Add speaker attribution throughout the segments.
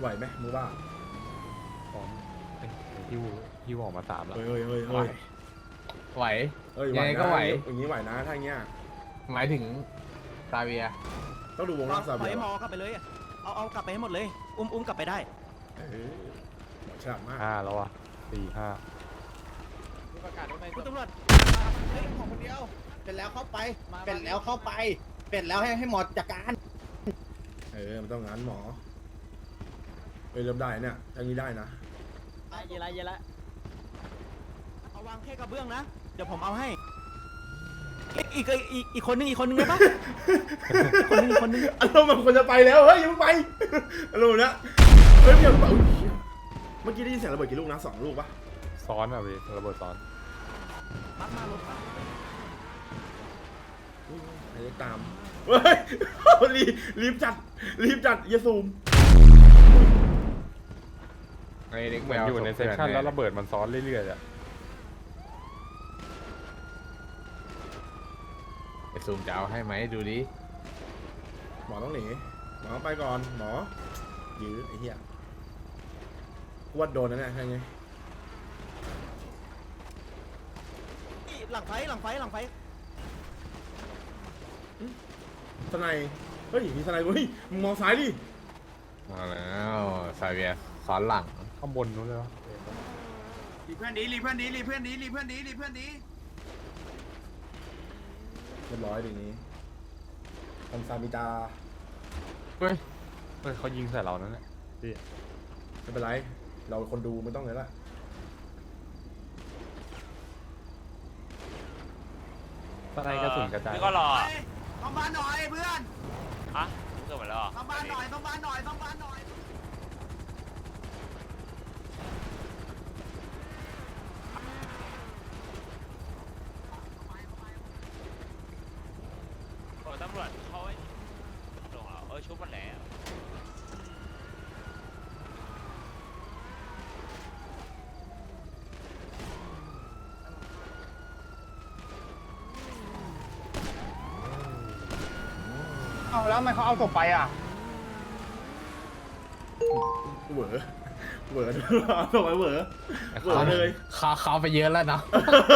Speaker 1: ไหวไหมมึงว่า
Speaker 2: พร้อมฮิวออกมา3แล้ว
Speaker 1: เฮ้ย
Speaker 3: ไหว
Speaker 1: ยังไงก็ไหวอย่างนี้ไหวนะถ้าอย่างเงี้ย
Speaker 3: หมายถึงซาเวีย
Speaker 1: ต้องดูวงรอบซาเวีย
Speaker 4: หมอกลับไปเลยเอากลับไปให้หมดเลยอุ้มกลับไปได้
Speaker 1: ฉลาดมาก
Speaker 2: 5แล้วอ่ะ4 5
Speaker 4: คุณตำรวจ
Speaker 5: เฮ้ยของคนเดียวเป็นแล้วเข้าไปเป็นแล้วเข้าไปเป็นแล้วให้หมอจัดการ
Speaker 1: มันต้องงั้นหมอเริ่มได้เนี่ยอย่างนี้ได้นะ
Speaker 4: เยละเอาวางแค่กระเบื้องนะเดี๋ยวผมเอาให้อีกคนนึงได้ปะคนนึง
Speaker 1: อารมณ์แบบคนจะไปแล้วเฮ้ยยังไม่ไปอารมณ์นะเฮ้ยเมื่อกี้ได้ยินเสียงระเบิดกี่ลูกนะ2 ลูกปะ
Speaker 2: ซ้อนอ่ะพี่ระเบิดซ้อน
Speaker 4: มารถ
Speaker 1: ไอ้ตามเฮ้ยรีบจัดอย่าซูม
Speaker 3: ไอ้เด็ก
Speaker 2: เห
Speaker 3: แม
Speaker 2: มือน
Speaker 3: ว
Speaker 2: อยู่ในเซสชั่นแล้วระเบิดมันซ้อนเรื่อยๆอ่ะ
Speaker 3: ไอ้ซูมจะเอาให้ไหมดูดิ
Speaker 1: หมอต้องหนีหมอไปก่อนหมอยื้อไอ้เหี้ยวัดโดนนะเนี่ยใช่ไง
Speaker 4: หลังไฟ
Speaker 1: สไนเฮ้ยมีสไนเฮ้ยมึงมองซ้ายดิ
Speaker 3: มาแล้วซาเวียซ้อนหลัง
Speaker 2: ข้างบนนู้นเลยวะ
Speaker 5: รีเพื่อนดี
Speaker 1: เรียบร้อยอย่างนี้ทำซามิตา
Speaker 2: เฮ้ยเขายิงใส่เรานั่นแหละพี่
Speaker 1: ไม่เป็นไรเราคนดูไม่ต้องเลยละ
Speaker 2: อะไรกระสุนกระจาย
Speaker 6: ก็รอ
Speaker 5: ต้องบ้านหน่อยเพื่อน
Speaker 6: ฮะเกิดมาแล้ว
Speaker 5: ต้องบ้านหน่อยต้องบ้านหน่อย
Speaker 6: ตำรวจเขาลงแล้วชุบมันแล้ว
Speaker 5: แล้วทำไมเขาเอาศพไปอ่ะ
Speaker 1: เหวอส่งไปเหวอเลย
Speaker 3: เขาไปเยอะแล้วเนาะ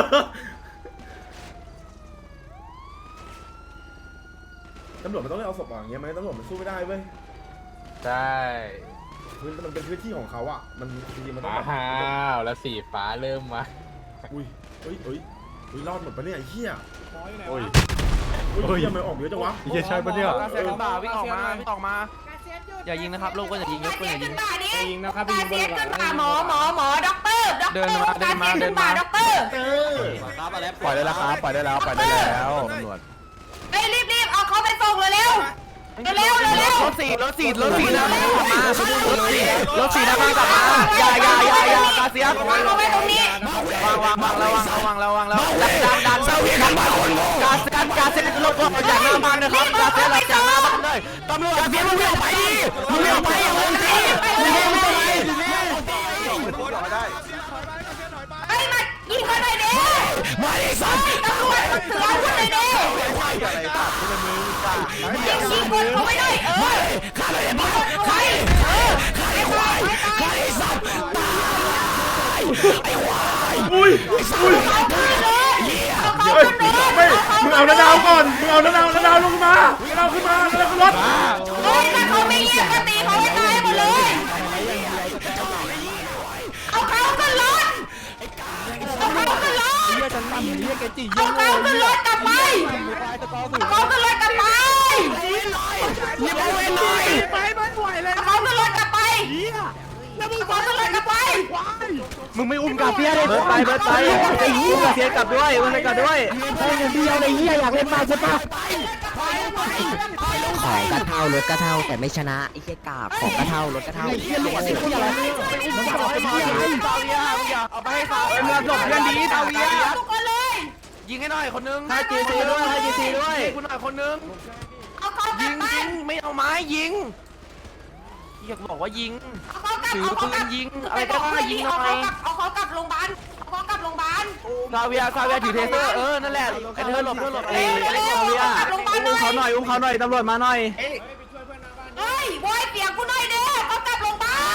Speaker 1: ตำรวจมันต้องเอาศพอย่างเงี้ยไหมตำรวจมันสู้ไม่ได้เว้ย
Speaker 3: ใช่
Speaker 1: มันเป็นพื้นที่ของเขาอ่ะมันจริงๆมันต้อง
Speaker 3: แล้วสีฟ้าเริ่มมา
Speaker 1: อุ้ยรอดหมดปะเนี่ยไอ้เหี้ย
Speaker 2: โอ้ย
Speaker 1: ยังไม่ออกเยอะจังวะ
Speaker 2: ไอ้เหี้ยใช่ปะเนี่ย
Speaker 4: วิ่งออกมาอย่ายิงนะครับลูกก็อย่ายิงยกปืนอย่ายิง
Speaker 5: ยิงนะครับยิงบนหลัง
Speaker 7: หมอด็อกเตอร์
Speaker 4: เดินมา
Speaker 7: ด็อกเตอร์
Speaker 2: ปล่อยได้แล้วครับปล่อยได้แล้วตำรวจ
Speaker 7: รีบเอาเขาไปส่งเร็ว
Speaker 4: รถสี่นะรถสี่นะกลับมาอย่ากาเซียบ
Speaker 7: วางเอาไว้ตรงนี้
Speaker 4: วางแล้วดันกาเซียรถจากหน้าบ้านนะครับกาเซียรถจากหน้าบ้านเลยตำรวจกาเซียมึงไม่ออกไปดิมึงไม่ออกไปอย่างนี้มึงไม่ไป
Speaker 7: ไอ้มายิงเขาหน่อยดิ
Speaker 3: มาดิสัตว์
Speaker 7: ตำรวจเสือคนเลยดิยิงคนเขาไม่ได้
Speaker 3: ฆ่าเลยมาฆ่าไอ้ควายฆ่าไอ้สัตว์ตายไอ้ควาย
Speaker 1: อุ้ยไม่มึงเอาน้าดาวก่อนมึงเอาน้าดาวลงมาน้าดาวขึ้นรถ
Speaker 7: ถ้าเขาไม่เยี่ยมก็ตีเขาให้ตายหมดเลยเอาเขาขึ้นรถเอาเขาขึ้นรถกลับไปเขาขึ้นรถกลับไป
Speaker 5: ยิงเอาไว้เลยไปมันไหวเลย
Speaker 7: เขาขึ้นรถกลับไปแล้วมึงเขาขึ้นรถกลับไป
Speaker 4: มึงไม่อุ้มกาเซียเลยเบิร์ดไปอุ้มกาเซียกลับด้วยอุ้มกลับด้วย
Speaker 5: ไอ้เดียวไอ้เหี้ยอยากเล่นมาใช่ปะ
Speaker 8: ของกระเท่ารถกระเท่าแต่ไม่ชนะไอ้เหี้ยกาบของกระเท่ารถกระเท่า
Speaker 4: ไอ้เหี้ยหลวดไอ้เหี้ยอะไรมึงจะบอกให้มาซาเวียเอาไปให้เขาเมืองหลบเพื่อนดีซาเวีย
Speaker 7: ทุกคนเลย
Speaker 4: ยิงให้หน่อยคนนึงให้จีซีด้วยคุณหน่อยคนนึงยิงไม่เอาไม้ยิงอยากบอกว่ายิงถือปืนยิงอะไรก็ได้ยิงหน่อย
Speaker 7: เอาเขากลับโรงพยาบาล
Speaker 4: ซาเวียถือเทเซอร์นั่นแหละไอ้เธอหลบไอ้ซาเวียอุ้มเขาหน่อยตำรวจมาหน่อย
Speaker 7: เฮ้ยบอยเปียกกูหน่อยเด้เขากลับโรงพยาบาล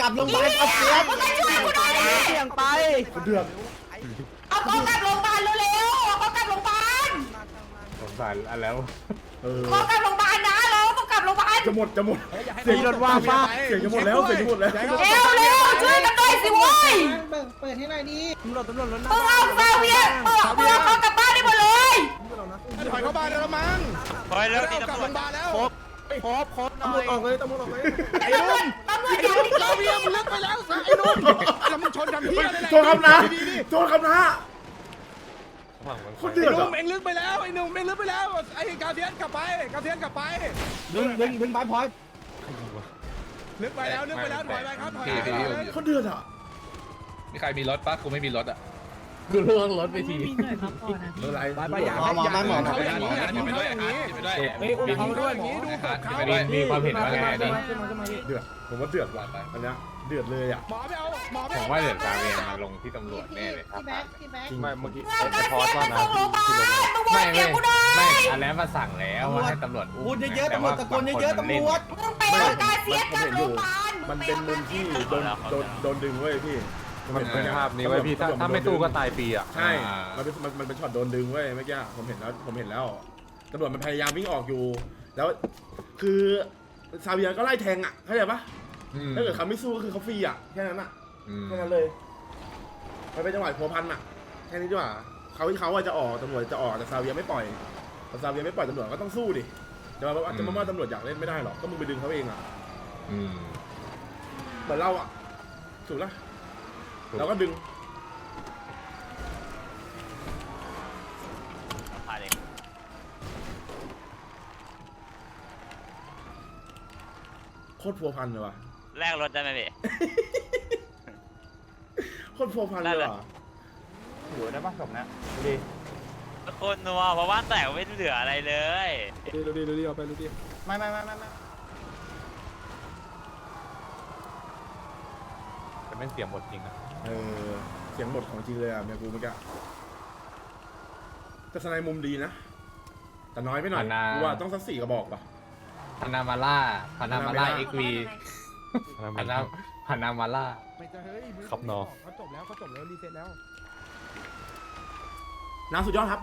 Speaker 5: ลับโรงพยาบาลเอาเสีย
Speaker 4: เสี่ยงไป
Speaker 1: คนเดือด
Speaker 7: เอาเขากลับโรงพยาบาลเร็วๆเอาเขากลับโรงพยาบาล
Speaker 2: สงสารอันแล้ว
Speaker 1: เออ
Speaker 7: เขากลับโรงพยาบาลนะเราต้องกลับโรงพยาบาล
Speaker 1: จะหมดเสียง
Speaker 4: รถว่างป่ะ
Speaker 1: เสียงจะหมดแล้วเสียงจะหมดแล้ว
Speaker 7: เร็วช่วยกันหน่อยสิเว้ย
Speaker 5: เปิดให้หน่อยดิ
Speaker 4: ตำรวจรถ
Speaker 7: มึงเอาซาเวียมึงเอาเขากลับบ้านได้หมดเลย
Speaker 5: ถอยเข้าบ้านแล้วมั้ง
Speaker 6: เฮ้ยแล้วนี่ตำรวจ
Speaker 4: ครบหน่อย
Speaker 1: ออกเลยตำรวจออกเลย
Speaker 7: ตำรวจอย่าดิ
Speaker 5: ซาเวียมึงเลิกไปแล้วไอ้นุ่มแล้วมึงชนทำเพี้ยอะไร
Speaker 1: โจรคำนะโจรคำนะคนเดือด
Speaker 5: นุ่
Speaker 1: อ่ะ
Speaker 5: มเอ็งลึกไปแล้วไอ้นุ่มเอ็งลึกไปแล้วไอ้กาเทียนกลับไปดึงไปพอยลึกไปแล้วถอยไปครับถอยไป
Speaker 1: คนเดือดอ่ะ
Speaker 9: มีใครมีรถปะกูไม่มีรถอ่ะ
Speaker 2: กูล่วงรถไปที
Speaker 1: อะไร
Speaker 4: ไปอย่า
Speaker 5: หมอมาหมอ
Speaker 9: ไปด้วยอย่างนี้ไปด้วย
Speaker 2: เฮ้ยอุ้มเขาด้วย
Speaker 5: อย่างนี้ดูกับเขา
Speaker 9: ไปด้วย
Speaker 2: มีความเห็นว่าไงดิ
Speaker 1: เดือดผมว่าเดือดว่ะอันเนี้ยเดือดเลยอ่ะ
Speaker 5: หมอไม่เอาหมอไม่
Speaker 9: ผม
Speaker 5: เอา
Speaker 9: ว่าเดี๋ยวซาเวียมาลงที่ตำรวจแน่เลยครับ
Speaker 2: ไม่เมื่อกี้
Speaker 7: เงินกาเซียนส่งโรงพยาบาลมึงโวยเสียกูหน่อย
Speaker 9: ไม่อันนั้นมาสั่งแล้วว่าให้ตำรวจ
Speaker 5: พูดเยอะๆตำรวจตะโกนเยอะๆตำรวจ
Speaker 7: มึงไปเอากาเซียนกลับโรงพยาบาล
Speaker 1: มันเป็นมุมที่โดนดึงเว้ยพี่
Speaker 2: มันเป็นภาพนี้ไว้พี่ถ้าไม่สู้ก็ตายฟรีอ่ะ
Speaker 1: ใช่มันเป็นช็อตโดนดึงเว้ยเมื่อกี้ผมเห็นแล้วตำรวจมันพยายามวิ่งออกอยู่ แล้วคือซาเวียก็ไล่แทงอ่ะเข้าใจปะถ้าเกิดเขาไม่สู้ก็คือเขาฟรีอ่ะแค่นั้นอ่ะแค่นั้นเลยมันเป็นจังหวะพัวพันอ่ะแค่นี้ดีกว่าเขาจะออกตำรวจจะออกแต่ซาเวียไม่ปล่อยแต่ซาเวียไม่ปล่อยตำรวจก็ต้องสู้ดิจะมาว่าตำรวจอยากเล่นไม่ได้หรอกก็มึงไปดึงเขาเองอ่ะเหมือนเราอ่ะถูกละเราก็ดึง
Speaker 6: พาเด็ก
Speaker 1: โคตรพัวพันเลยว่ะ
Speaker 6: แลกรถได้ไหมพี่
Speaker 1: โคตรพัวพันเลยว่ะ
Speaker 2: อยู่ได้ป่ะศพนะดูดิ
Speaker 6: โคนนัวเพราะว่าแตกไม่เหลืออะไรเลย
Speaker 2: ดูดิเอาไปดูดิ
Speaker 5: ไม่
Speaker 2: แต่แม่งเสียงหมดจริงนะ
Speaker 1: เสียงบทของจริงเลยอ่ะเมียกูเมื่อกี้แต่สไนมุมดีนะแต่น้อยไปหน่อยกูว่าต้องสัก4 กระบอกป่ะ
Speaker 9: พานามาล่าเอ็กวีพานามาล่า
Speaker 2: ครับน้อง
Speaker 5: เขาจบแล้วรีเซ็ตแล้ว
Speaker 1: น้ำสุดยอดครับ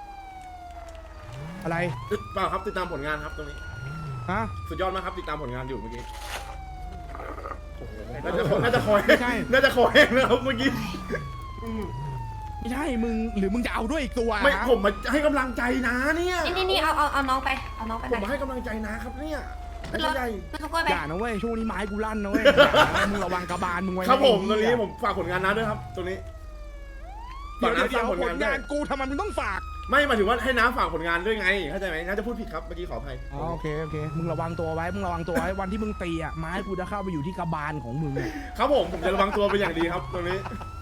Speaker 5: อะไร
Speaker 1: เปล่าครับติดตามผลงานครับตรงนี้
Speaker 5: ฮะ
Speaker 1: สุดยอดมากครับติดตามผลงานอยู่เมื่อกี้โอ้โหน่าจะคอย
Speaker 5: ไม่ใช่
Speaker 1: น่าจะคอยนะครับเมื่อกี้
Speaker 5: ไม่ใช่มึงหรือมึงจะเอาด้วยอีกตัว
Speaker 1: ไม่ผมมาให้กำลังใจนะเนี่ย
Speaker 7: นี่เอาน้องไปเอาน้องไป
Speaker 1: ผมมาให้กำลังใจนะครับเนี่ยไม่ใช่ใหญ่
Speaker 7: มันก็ไป
Speaker 5: อย่านะเว้ยช่วงนี้ไม้กูลั่นนะเว้ยมึงระวังกระบาลมึงไว้
Speaker 1: ครับผมตรงนี้ผมฝากผลงานนะด้วยครับตรงนี้ฝากน้ำฝากผล
Speaker 5: ผ
Speaker 1: งาน
Speaker 5: ล
Speaker 1: ด้ว
Speaker 5: งาย นกูทำไมมึงต้องฝาก
Speaker 1: ไม่หมายถึงว่าให้น้ำฝากผลงานด้วยไงเข้าใจไหมน้าจะพูดผิดครับเมื่อกี้ขออภัย
Speaker 5: โอเคมึงระวังตัวไว้วันที่มึงตีอ่ะไม้กูจะเข้าไปอยู่ที่กระบาลของมึง
Speaker 1: ครับผมจะระวังตัวเป็นอย่างดีครับตรงนี้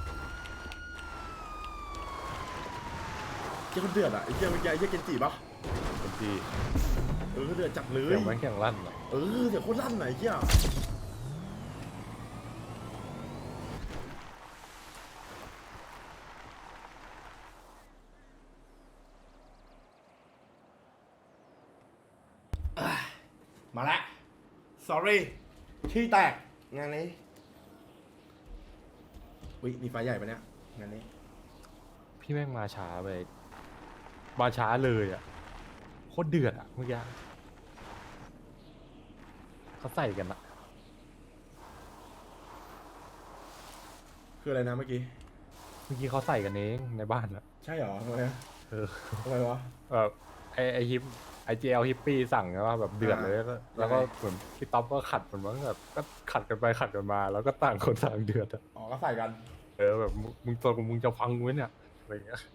Speaker 1: เจ้าคนเดือดอ่ะไอ้เจ้าเมื่อกี้ไอ้เจ้าเกนจิปะ
Speaker 2: เป็นที
Speaker 1: เดือดจัดเลย
Speaker 2: เสียงแม่งแข่งลั่นอ่ะ
Speaker 1: เดี๋ยวโคตรลั่นไหนเจ้ามาละ sorry ขี้แตกงานนี้อุ้ยมีไฟใหญ่ปะเนี่ยงานนี้
Speaker 2: พี่แม่งมาช้าไปมาช้าเลยอ่ะโคตรเดือดอ่ะเมื่อกี้เขาใส่กันอ่ะ
Speaker 1: คืออะไรนะเมื่อกี้
Speaker 2: เขาใส่กันเองในบ้านอ่ะ
Speaker 1: ใช่เหรอทำไมอะ ทำไมวะ
Speaker 2: แบบไอฮิปไอเจลฮิปปี้สั่งว่าแบบเดือดเลยแล้วก็เหมือนพี่ต๊อบก็ขัดมันว่าแบบก็ขัดกันไปขัดกันมา แล้วก็ต่างคนต่างเดือดอ่ะ
Speaker 1: อ๋อก็ใส่กัน
Speaker 2: แบบมึงตัวมึงจะฟังไว้เนี่ยอะไรเงี้ย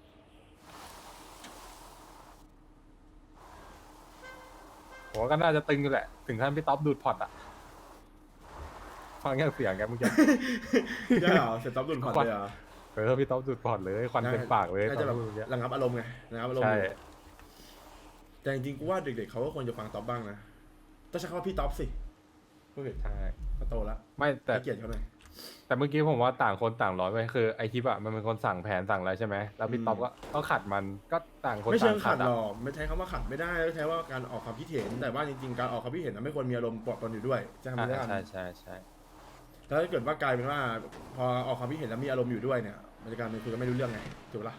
Speaker 2: ผมว่าก็น่าจะตึงอยู่แหละถึงขั้นพี่ต๊อบดูดพอร์ตอ่ะฟังแค่เสียงแกเมื่อกี้
Speaker 1: ใช่เหรอเสร็จต๊อบดุนผ่อนเลยเหรอ
Speaker 2: พี่ต๊อบดูดพอร์ตเลยควันเต็มปากเลย
Speaker 1: น่า
Speaker 2: ตอ
Speaker 1: จะ
Speaker 2: น
Speaker 1: แบบ
Speaker 2: พูดเมื่อกี้
Speaker 1: ระงับอารมณ์ไงระงับอารมณ์
Speaker 2: ใช่
Speaker 1: แต่จริงๆกูว่าเด็กๆเขาก็ควรจะฟังต๊อบบ้างนะต้องใช้คำว่าพี่ต๊อบสิพูดผิด
Speaker 2: ใช่
Speaker 1: เขาโตแล้ว
Speaker 2: ไม่แต่
Speaker 1: ให้เกียรติเขาหน่อย
Speaker 2: แต่เมื่อกี้ผมว่าต่างคนต่างร้อยไปคือไอทิปอะมันเป็นคนสั่งแผนสั่งอะไรใช่ไหมแล้วพี่ต๊อบก็ขัดมันก็ต่างคน
Speaker 1: ไม่
Speaker 2: ต่า
Speaker 1: เชิ
Speaker 2: ง
Speaker 1: ง
Speaker 2: ขั
Speaker 1: ขั
Speaker 2: ด
Speaker 1: ดหร
Speaker 2: อะ
Speaker 1: อกไม่ใช้คำว่าขัดไม่ได้ใช้ว่าการออกความคิดเห็นแต่ว่าจริงๆการออกความคิดเห็นไม่ควรมีอารมณ์ปนอยู่ด้วยจะทำไม่ได้
Speaker 2: ใช่
Speaker 1: แต่แล้วถ้าเกิดว่ากลายเป็นว่า พอออกความคิดเห็นแล้วมีอารมณ์อยู่ด้วยเนี่ยมันจะกลายเป็นคุยกันไม่รู้เรื่องไงถูกปะล่ะ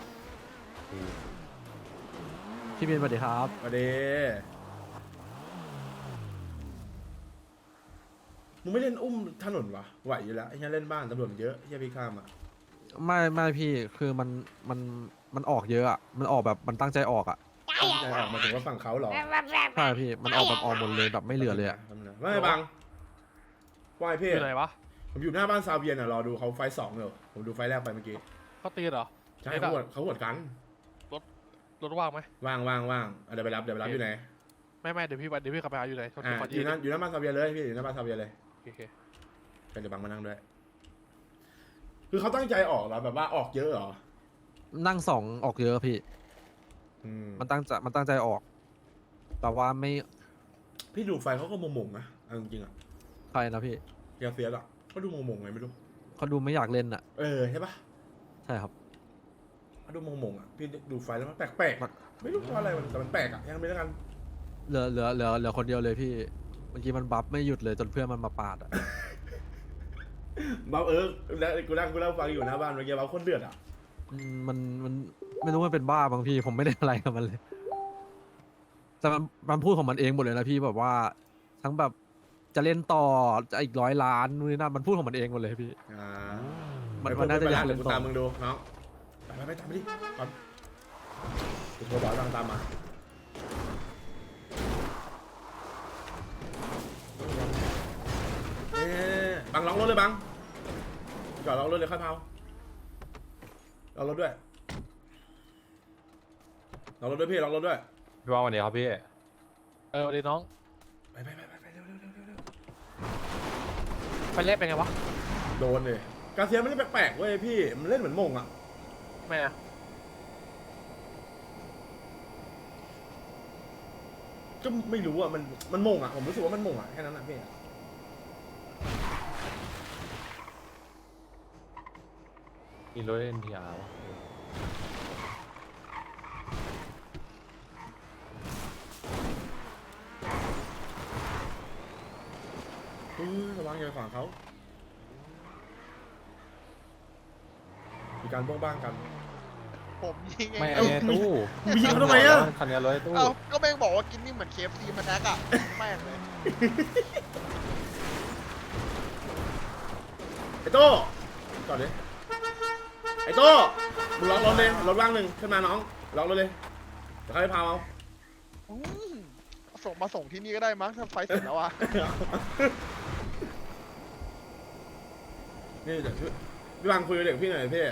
Speaker 2: พี่บินสวัสดีครับ
Speaker 1: มาเดมึงไม่เล่นอุ้มถนนวะไหวอยู่แล้วไอ้เหี้ยเล่นบ้านตำรวจมันเยอะไอ้เหี้ยพี่ข้ามอ่ะ
Speaker 2: ไม่พี่คือมันออกเยอะอ่ะมันออกแบบมันตั้งใจออกอ่ะ
Speaker 1: ใจออกมาถึงว่าฝั่งเขาเหรอ
Speaker 2: ใช่พี่มันออกแบบออกหมดเลยแบบไม่เหลือเลยอ่ะ
Speaker 1: ไม่บังว่ายพี่
Speaker 4: อยู่ไหนวะ
Speaker 1: ผมอยู่หน้าบ้านซาเวียนอ่ะรอดูเขาไฟสองเลยผมดูไฟแรกไปเมื่อกี้
Speaker 4: เขาตีเหรอ
Speaker 1: ใช่เขาหวดกัน
Speaker 4: รถว่างไหม
Speaker 1: ว่างเดี๋ยวไปรับอยู่ไหน
Speaker 4: ไม่เดี๋ยวพี่ขับไปหาอยู่ไหน
Speaker 1: อยู่หน้าบ้านซาเวียเลยพี่อยู่หน้าบ้านซาเวียเลย
Speaker 4: โอเค
Speaker 1: กันเดี๋ยวบังมานั่งด้วยคือเขาตั้งใจออกเหรอแบบว่าออกเยอะเหรอ
Speaker 2: นั่งสองออกเยอะพี่ มันตั้งใจออก แต่ว่าไม่
Speaker 1: พี่ดูไฟเขาก็มงๆนะเอาจริงๆอ่ะ
Speaker 2: ใครนะพี่
Speaker 1: ยาเสียหรอเขาดูมงๆไงไม่รู้
Speaker 2: เขาดูไม่อยากเล่นอ่ะ
Speaker 1: ใช่ปะ
Speaker 2: ใช่ครับ
Speaker 1: เขาดูมงๆอ่ะพี่ดูไฟแล้วมันแปลกๆไม่รู้เพราะอะไรแต่มันแปลกอ่ะยังไม่ได้กัน
Speaker 2: เหลือคนเดียวเลยพี่เมื่อกี้มันบัฟไม่หยุดเลยจนเพื่อนมันมาปาดอ่ะ
Speaker 1: บ้าแล้วกูนั่งฟังอยู่หน้าบ้านเมื่อกี้บ้าคนเดือดอ่ะ
Speaker 2: มันไม่รู้มันเป็นบ้าบางพี่ผมไม่ได้อะไรกับมันเลยแต่มันพูดของมันเองหมดเลยนะพี่แบบว่า ทั้งแบบจะเล่นต่อจะอีก100 ล้านนู่นนี่นั่นมันพูดของมันเองหมดเลยพี่ มันน่าจะอยากเล่นต่อ
Speaker 1: ตามมึงดูน้องไปตามไปดิก่อนกูโทรบอกตามมาบังล็อกรถเลยบังจอดล็อกรถเลยค่อยเผาล็อกรถด้วยล็อกรถด้วยพี่ล็อกรถด้วย
Speaker 2: พี่ว่าวันนี้ครับพี่
Speaker 4: สวัสดีน้อง
Speaker 1: ไปเร็ว
Speaker 4: ไปเล่นเป็นไงวะ
Speaker 1: โดนเลยกาเซียไม่ได้แปลกๆเว้ยพี่มันเล่นเหมือนมงอ่ะ
Speaker 4: ไม่อะ
Speaker 1: ก็ไม่รู้อ่ะมันมงอ่ะผมรู้สึกว่ามันมงอ่ะแค่นั้นนะพี่
Speaker 2: มีรถ NTR วะ
Speaker 1: ระวังอย่าไปขวางเขามีการบ้งบ้างกัน
Speaker 3: ผมยิงเอง
Speaker 2: ไม่ไอ้ตู้
Speaker 1: มียิงเขาทำไมอ่ะ
Speaker 2: คันนี้รถไอ้ตู้
Speaker 3: เอ้าก็แม่งบอกว่ากินนี่เหมือน KFC มันแอคอะแม่งเลย
Speaker 1: ไอ้โต้จอดดิไอ้โต้มึงล็อกรถเลยรถว่างหนึ่งขึ้นมาน้องล็อกรถเลยเดี๋ยวเขาไปพาเอา
Speaker 3: อืมมาส่งที่นี่ก็ได้มั้งถ้าไฟเสร็จแล้วอะ
Speaker 1: นี่เดี๋ยวพี่บังคุยกับเด็กพี่หน่อยพี่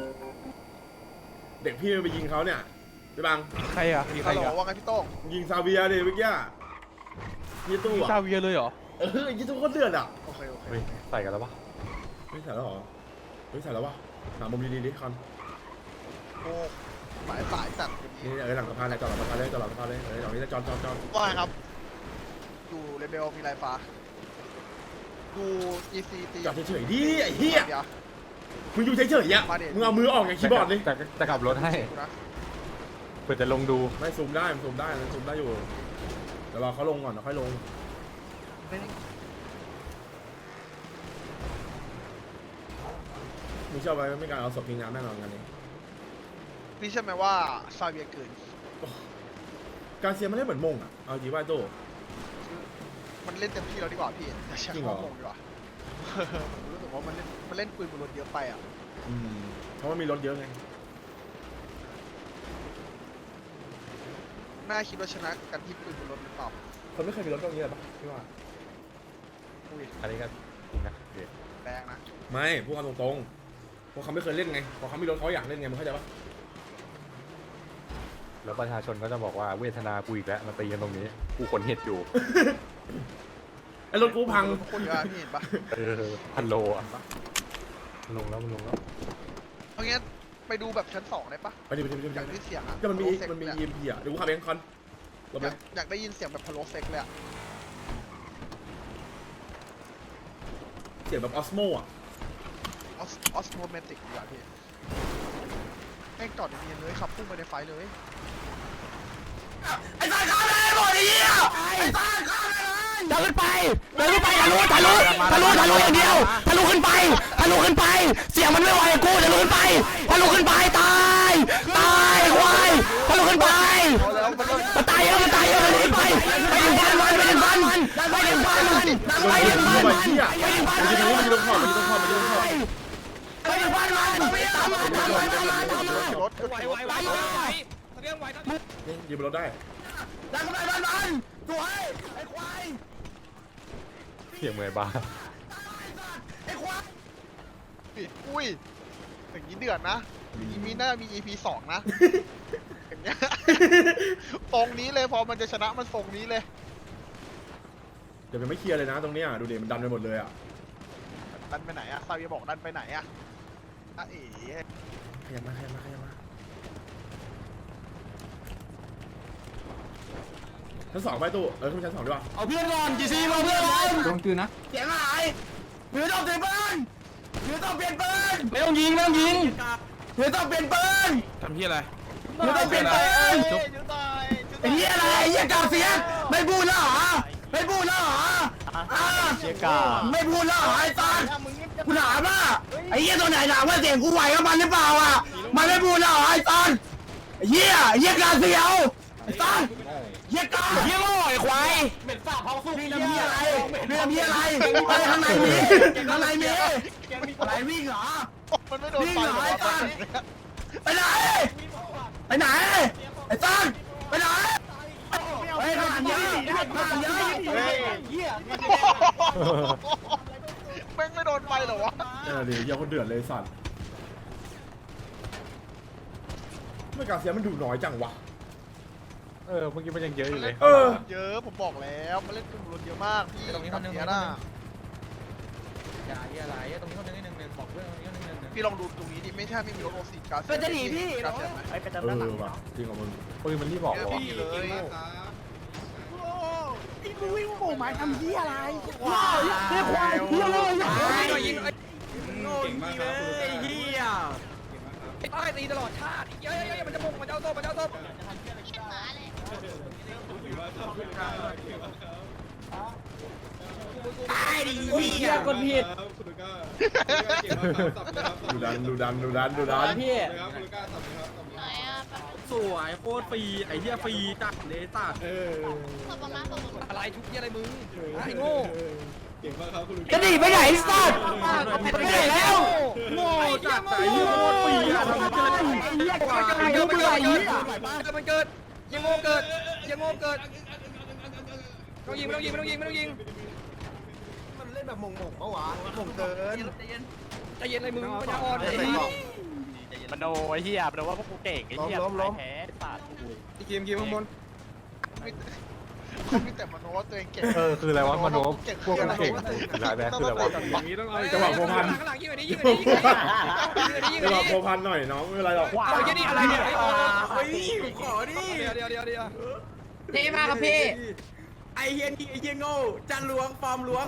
Speaker 1: เด็กพี่ไปยิงเขาเนี่ยพี่บัง
Speaker 4: ใครอะมีใคร
Speaker 3: ฮัลโหล
Speaker 4: อะ
Speaker 3: ว่าไงพี่โต้ง
Speaker 1: ยิงซาเวียดิเมื่อกี้ยี่ตู้
Speaker 4: มี
Speaker 1: อ่ะ
Speaker 4: ซาเวียเลยเหรอ
Speaker 1: ยี่ตู้ก็เดือดอ่ะ
Speaker 3: โอเค
Speaker 2: เฮ้ยใส่กันแล้วปะ
Speaker 1: ไม่ใส่แล้วเหรอไม่ใส่แล้ววะหามุมดีๆดิคอน
Speaker 3: โอ้สายจัด
Speaker 1: นี่หลังสะพานเลยจอดหลังสะพานเลยจอดหลังสะพานเลยหลังนี้จะจอด
Speaker 3: ว่าไงครับ ดูเลเบลมีลายฟ้า ดู EC ตี
Speaker 1: จอดเฉยๆดิไอ้เหี้ย
Speaker 3: เดี๋ยว
Speaker 1: มึงอยู่เฉยๆอ่ะมึงเอามือออกจากคีย์บอร์ดดิ
Speaker 2: จะกลับรถให้
Speaker 3: ดูนะ
Speaker 2: เปิดจะลงดู
Speaker 1: ไม่ซูมได้มันซูมได้อยู่เดี๋ยวรอเขาลงก่อนเดี๋ยวค่อยลงมึงเชื่อไหมไม่การเอาศพทิ้งน้ำแน่นอนกันนี้
Speaker 3: นี่ใช่ไหมว่าซาเวียเกิน
Speaker 1: การเซียมันเล่นเหมือนมงอ่ะเอาจริงว่าโต้
Speaker 3: มันเล่นเต็มที่แล้วดีกว่าพี่อย่าใช้
Speaker 1: จริงเหรอ
Speaker 3: ข้อมูลดีกว่า ผมรู้สึกว่ามันเล่นปืนบนรถเยอะไปอ่ะ
Speaker 1: เพราะว่ามีรถเยอะไง
Speaker 3: น่าคิดว่าชนะกันที่ปืนบนรถหรือเปล่า
Speaker 1: คนไม่เคยมีรถตรงนี้เลยปะพี่ว่า
Speaker 3: อุ้ย
Speaker 2: อันนี้ก็จริงนะเดี๋ยว
Speaker 3: แรงนะ
Speaker 1: ไม่พูดกันตรงๆพวกเขาไม่เคยเล่นไงพอเขามีรถเขาอยากเล่นไงมึงเข้าใจปะ
Speaker 2: แล้วประชาชนก็จะบอกว่าเวทนากูอีกแล้วมาตีกันตรงนี้กูขนเห็ดอยู่
Speaker 1: ไอ้รถกูพัง
Speaker 3: โคตรเยอะพี่เห็นปะ
Speaker 2: 1,000 โลอ่ะลงแล้ว
Speaker 3: เอางี้ไปดูแบบชั้น2ได้ปะ
Speaker 1: ไปดิ
Speaker 3: อยากได้เสียงอ่ะ
Speaker 1: ก็มันมี
Speaker 3: พะโล้เซ็ก
Speaker 1: EMP อ่ะเดี๋ยวกูขับเองคอนลงไป
Speaker 3: อยากได้ยินเสียงแบบพะโล้เซ็กเลยอ่ะ
Speaker 1: เสียงแบบออสโมอ่ะ
Speaker 3: ออสโมเมติกดีกว่าพี่แม่งจอดเนียนเลยขับพุ่งไปในไฟเลย
Speaker 7: ไอ้สัตว์ฆ่าเลยหมดไอ้เหี้ยไอ้สัตว์ฆ่าเลย
Speaker 3: เดินขึ้นไปทะลุอย่างเดียวทะลุขึ้นไปเสียงมันไม่ไหวกูทะลุขึ้นไปตายควายทะลุขึ้นไปมันตายเยอะทะลุขึ้นไปไปถึงบ้านมัน
Speaker 1: ไอ้เหี้ยมันจะรู้มันจะลงขอบ
Speaker 3: ไปถึงบ้านมัน
Speaker 1: ยืมรถได้
Speaker 3: ดันไปบ้านมันสวยไอ้ควาย
Speaker 9: เสียงเหมือนบ้า
Speaker 3: ไอ้ควาย
Speaker 10: อุ้ยอย่างนี้เดือดนะมีน่ามี EP 2 นะ อย่างเงี้ยตรงนี้เลยพอมันจะชนะมันทรงนี้เลย
Speaker 1: เดี๋ยวมันไม่เคลียร์เลยนะตรงเนี้ยดูดิมันดันไปหมดเลยอ่ะ
Speaker 10: ดันไปไหนอะซาเวียบอกดันไปไหนอะเอ๋
Speaker 1: ขยับมาชั้น 2ไปตู้ขึ้นชั้น 2ดีกว่า
Speaker 3: เอาเพื่อนก่อนจีซีมาเพื่อนก่อน
Speaker 4: โดนคืนนะ
Speaker 3: เสียงหายหรือต้องเปลี่ยนปืนไม่ต้องเปลี่ยนปืน
Speaker 4: ไม่ต้องยิง
Speaker 3: หรือต้องเปลี่ยนปืน
Speaker 4: ทำที่อะไร
Speaker 3: หรือต้องเปลี่ยนปืนไอ้เหี้ยอะไรไอ้เหี้ยกาเสียงไม่พูดแล้วเหรอไม่พูดแล้วเหรอเหี้ยกาไม่พูดแล้วเหรอไอ้ตอนกูถามว่าไอ้เหี้ยตัวไหนถามว่าเสียงกูไหวกับมันหรือเปล่าอ่ะมันไม่พูดแล้วเหรอไอ้ตอนไอ้เหี้ยกาเสียวไอ้ตอนเหี้ยกาเหี้ยโง่ไอ้ควายเหม็นฝ่าท้องสู้เรื่องเหี้ยอะไรไปข้างในมีอะไรวิ่งเหรอ
Speaker 10: มันไม่โดนไฟหรอ
Speaker 3: ไปไหนไอ้ต้นไปไหนเฮ้ยข้างหลังเยอะ
Speaker 10: แม่งไม่โดนไฟหรอวะ
Speaker 1: เดี๋ยวเหี้ยคนเดือดเลยสัตว์ไม่กาเสียมันดูน้อยจังวะ
Speaker 9: เมื่อกี้มันยังเยอะอยู่เลย
Speaker 10: เยอะผมบอกแล้วมันเล่นกลุ่มรถเยอะมากพี่ตรงนี้คนนึงนะพี่ลองดูตรงนี้ดิไม่ใช่ไม่มีรถโอซีกาเซียนจะหนีพี่กาเซียนไหม
Speaker 1: ว่ะจริงของมึง
Speaker 9: ปืนมันรีบบอกเหรอวะ
Speaker 10: พี่เลย
Speaker 1: ดูดัน
Speaker 4: พี่สวยโคตรฟรีไอ้เหี้ยฟรีจัดเลยสัตว์อะไรชุบเหี้ยอะไรมึงไอ้โง่
Speaker 3: จะหนีไปไหนสัตว์ไปไหนแล้ว
Speaker 4: โง่จัดไอ้เหี้ยโคตรฟรีอะทำเกินไอ้เหี้ยกว่าเกิดมันเกิดยังโง่เกิดต้องยิงมันเล่นแบบมงปะวะมงเกินใจเย็นเลยมึงปัญญาอ่อนไอ้
Speaker 6: มันโดไอ้เหี้ยมันโดว่าพวกกูเก่งไอ้เหี้ยแพ้สัตว์
Speaker 4: เกมข้างบน
Speaker 10: เขาไม่แต่มโนว่าตัวเองเก่ง
Speaker 9: คืออะไรวะมโนพวกมันเก่งอะไรแบบคืออะไรวะ
Speaker 4: อย่างนี้ต้องเอา
Speaker 1: จังหวะโพพัน
Speaker 4: ข้างหลังยิงไปดิ
Speaker 1: จังหวะโพพันหน่อยน้องไม่เป็นไรหรอก
Speaker 4: เอาแค่นี้อะไรเนี่ยไอ้โอ้ยขอดิเดี๋ยว
Speaker 7: เท่มากครับพี่
Speaker 4: ไอ้เฮียนี่ไอ้เฮียโง่จันล้วงฟอร์มล้วง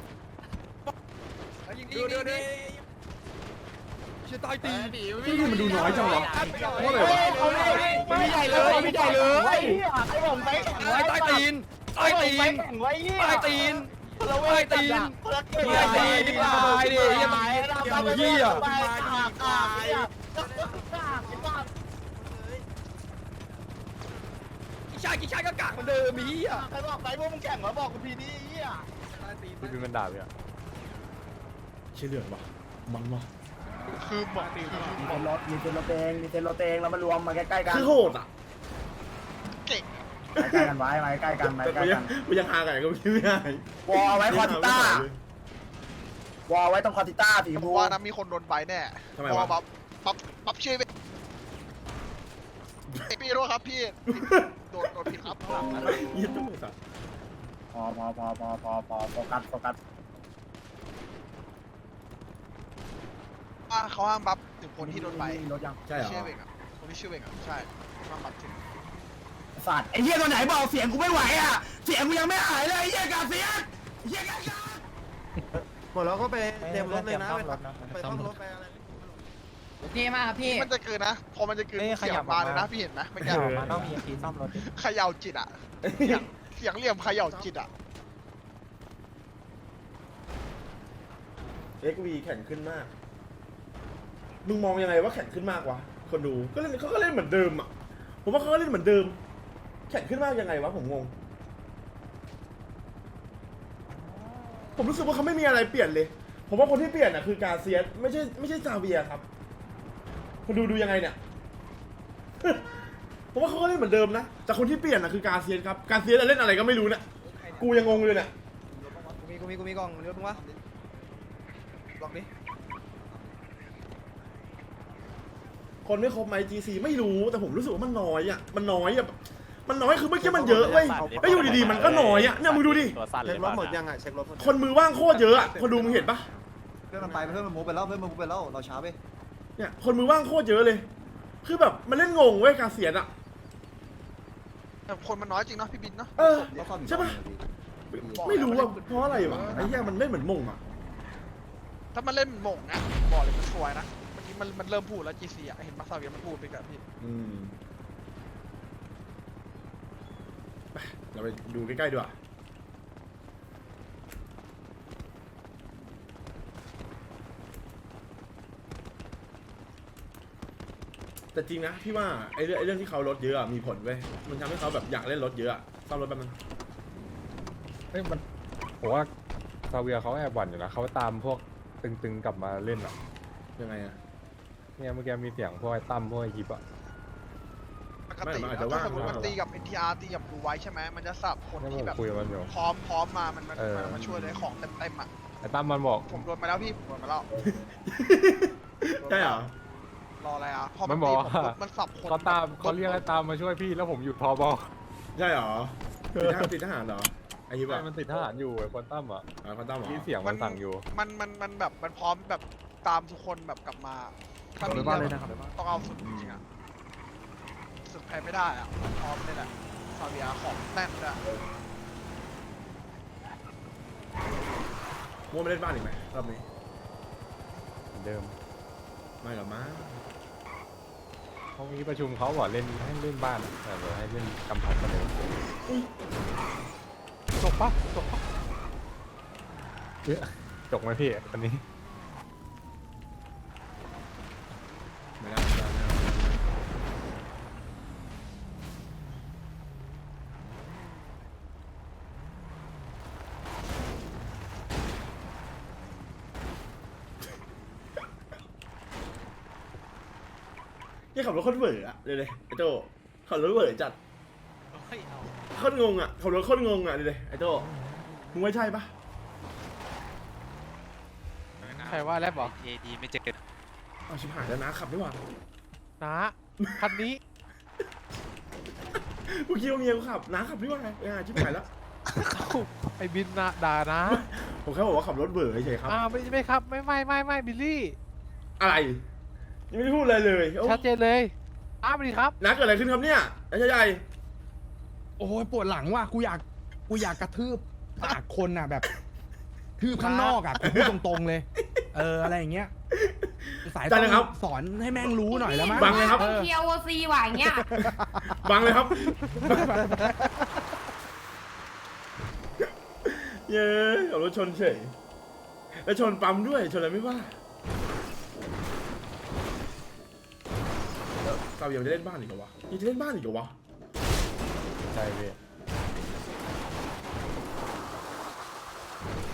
Speaker 4: ดูจะตายตี
Speaker 1: ที่มันดูน้อยจังวะเพราะอะไรวะ
Speaker 4: ไม่ใหญ่เลยไอ้ตีนตายดิเหี้ยกี่ชายก็กากเหมือนเดิมมีอ่ะ
Speaker 10: ใครบอกไหนพวกมึงแข่งเหรอบอกกูพีดีอ่ะ
Speaker 9: ปืนมันด่าพี่อะ
Speaker 1: เชี่ยเลือดวะมันวะ
Speaker 10: คือบอก
Speaker 5: มีเซนรถเองแล้วมารวมมาใกล้ๆกัน
Speaker 1: คือโหดอ่ะ
Speaker 10: เก่ง
Speaker 5: ใกล้กันไว้มาใกล้กัน
Speaker 1: แต่กูยังหาไก่ก็ไม่ได้
Speaker 5: วอลไว้คอติต้าวอลไว้ตรงคอติต้าสี
Speaker 10: ผ
Speaker 5: มู
Speaker 10: มว่านะมีคนโดนใบแน่
Speaker 1: ทำไม
Speaker 10: เพราะ
Speaker 1: วะ
Speaker 10: ว่าบัฟชื่อพี่รู้ครับพี่โดนผิดครับ
Speaker 1: ยี่ตุ้มสัตว์
Speaker 5: พอโฟกัส
Speaker 10: เขาห้ามบัฟถึงคนที่โดนใบ
Speaker 5: รถยัง
Speaker 1: ใช่เหรอ
Speaker 10: ชื่อเวงอ่ะคนที่ชื่อเวงอ่ะใช่ห้ามบัฟถึง
Speaker 5: สัตว์ไอ้เหี้ยตัวไหนบอกเสียงกูไม่ไหวอ่ะเสียงกูยังไม่หายเลยไอ้เหี้ยกาเสียง
Speaker 4: หมดแล้วก็ไปเต็มรถเลยนะไปต้องรถไปอะไร
Speaker 7: เท่มากครับพี่
Speaker 10: มันจะเกินนะพอมันจะเกินเสียงมาเลยนะพี่เห็นไหมไม่ใช่
Speaker 8: มันต้องมีทีซ่อมรถ
Speaker 10: เขย่าจิตอ่ะเสียงเหลี่ยมเขย่าจิตอ่ะ
Speaker 1: XV แข่งขึ้นมากมึงมองยังไงว่าแข่งขึ้นมากวะคนดูก็เล่นเขาก็เล่นเหมือนเดิมอ่ะผมว่าเขาก็เล่นเหมือนเดิมแข่งขึ้นมากยังไงวะผมงงผมรู้สึกว่าเขาไม่มีอะไรเปลี่ยนเลยผมว่าคนที่เปลี่ยนอ่ะคือกาเซียสไม่ใช่ซาเวียครับคนดูยังไงเนี่ย ผมว่าเขาก็เล่นเหมือนเดิมนะแต่คนที่เปลี่ยนอ่ะคือกาเซียสครับกาเซียสเล่นอะไรก็ไม่รู้เนี่ยกูยังงงเลยเนี่ย
Speaker 3: กูมีกล่องเรือมึงวะล็อกดิ
Speaker 1: คนไม่ครบไหม GC ไม่รู้แต่ผมรู้สึกว่ามันน้อยอ่ะมันน้อยคือเมื่อกี้มันเยอะเว้ยแล้วอยู่ดีๆมันก็น้อยอ่ะเนี่ยมึงดูดิ
Speaker 6: ตัวสั้นเลย
Speaker 3: เช็ครถหมดยังอ่ะเช็ครถ
Speaker 1: คนมือว่างโคตรเยอะอ่ะคนดูมึงเห็นปะ
Speaker 3: เพื่อนมันไปเพื่อนมันมูฟไปแล้วเราช้าไป
Speaker 1: เนี่ยคนมือว่างโคตรเยอะเลย คือแบบมันเล่นงงเว้ยกาเซียสอ่ะ
Speaker 10: แต่คนมันน้อยจริงเนาะพี่บินเนาะ
Speaker 1: เออใช่ปะไม่รู้ว่าเพราะอะไรวะไอ้เหี้ยมันเล่นเหมือนมงอ่ะ
Speaker 10: ถ้ามันเล่นหม่งนะบอกเลยมันสวยนะเมื่อกี้มันเริ่มพูดแล้ว GC อ่ะเห็นมาซาเวียมันพูดไปกับพี่
Speaker 1: ไปเราไปดูใกล้ๆดีกว่าแต่จริงนะพี่ว่าไอ้เรื่องที่เขาลดเยอะอะมีผลเว้ยมันทำให้เขาแบบอยากเล่นรถเยอะอะซ่อมรถแป๊บนึง
Speaker 11: เฮ้ยมันผมว่าซาเวียเขาแอบหวั่นอยู่นะเขาตามพวกตึงๆกลับมาเล่นอ่ะ
Speaker 1: ยังไงอะ
Speaker 11: เนี่ยเมื่อกี้มีเสียงพวกไอ้ตั้มพวกไอ้ยิปอ่ะ
Speaker 10: ปกติแล้วถ้าสมมติมันตีกับ NTR ตีกับดูไว้ใช่ไหมมันจะสับคน
Speaker 11: แล้วผ
Speaker 10: ที่
Speaker 11: ม
Speaker 10: แบบ
Speaker 11: คุยกับมันอยู่
Speaker 10: พร้อมมามันมาช่วยเลยของเต็มอ่ะ
Speaker 11: ไอ้ตั้มมันบอก
Speaker 10: ผมโดนมาแล้วพี่ผมโดนมาแล้ว
Speaker 1: ใช่เหรอ
Speaker 10: รออะไรอ่ะพอ
Speaker 11: มันบอกว่า
Speaker 10: มันสับคน
Speaker 11: เขาเรียกไอ้ตามมาช่วยพี่แล้วผมหยุดพอบอ
Speaker 1: ใช่เหรอติดทหารเหรอไอ้ยิบ
Speaker 11: ใช่
Speaker 1: อะ
Speaker 11: มันติดทหารอยู่ไอ้คนตั้มอ่ะ
Speaker 1: เขาตั้มเหรอ
Speaker 11: มีเสียงมันสั่งอยู่
Speaker 10: มันแบบมันพร้อมแบบตามทุกคนแบบกลับมาถ้ามีเรื่องต้องเอาสุดจริงๆอ่ะสุดแพ้ไม่ได้อ่ะพร้อมเลยแหละซาเวียของแน่นเลย
Speaker 1: มัวไม่เล่นบ้านอีกไหมรอบนี้
Speaker 11: เหมือนเดิม
Speaker 1: ไม่หรอกมั้ง
Speaker 11: เขามีประชุมเขาบอกเล่นให้เล่นบ้านแต่เดี๋ยวให้เล่นกำแพงกันเลย
Speaker 2: จบปะ
Speaker 11: จบไหมพี่วันนี้
Speaker 1: ไม่ได้นี่ขับรถโคตรเบื่ออะเลยไอ้โจขับรถเบื่อจัดโคตรงงอะขับรถโคตรงงอะเลยไอ้โจมึงไม่ใช่ปะ
Speaker 2: ใครว่าแรบบอก
Speaker 6: เอดีไม่เจอ
Speaker 1: เอาชิบหายแล้วนะขับดีกว่า
Speaker 2: นะคันนี้
Speaker 1: กูคิดว่าเมียกูขับน้าขับดีกว่าไงชิบหายแล้ว
Speaker 2: ไอ้บินนะด่านะ
Speaker 1: ผมแค่บอกว่าขับรถเบื่อเฉยครับ
Speaker 2: ไม่ครับไม่บิลลี่
Speaker 1: อะไรยังไม่ได้พูดอะไรเลยโอ้
Speaker 2: ชัดเจนเลยไปดิครับ
Speaker 1: น้าเกิดอะไรขึ้นครับเนี่ยไอ้ชายใหญ่
Speaker 3: โอ้ยปวดหลังว่ะกูอยากกระทืบปากคนอ่ะแบบทืบข้างนอกอ่ะพูดตรงๆเลยอะไรอย่างเงี้ยสายต้องสอนให้แม่งรู้หน่อยแล้วมั้ง
Speaker 1: บังเลยครับ
Speaker 7: เคียวโอซีว่ะอย่างเงี้ย
Speaker 1: บังเลยครับเย้ขับรถชนเฉยแล้วชนปั๊มด้วยชนอะไรไม่ว่าซาเวียจะเล่นบ้านอีกเหรอวะยังจะเล่นบ้านอีกเหรอวะ
Speaker 11: ใช่พี่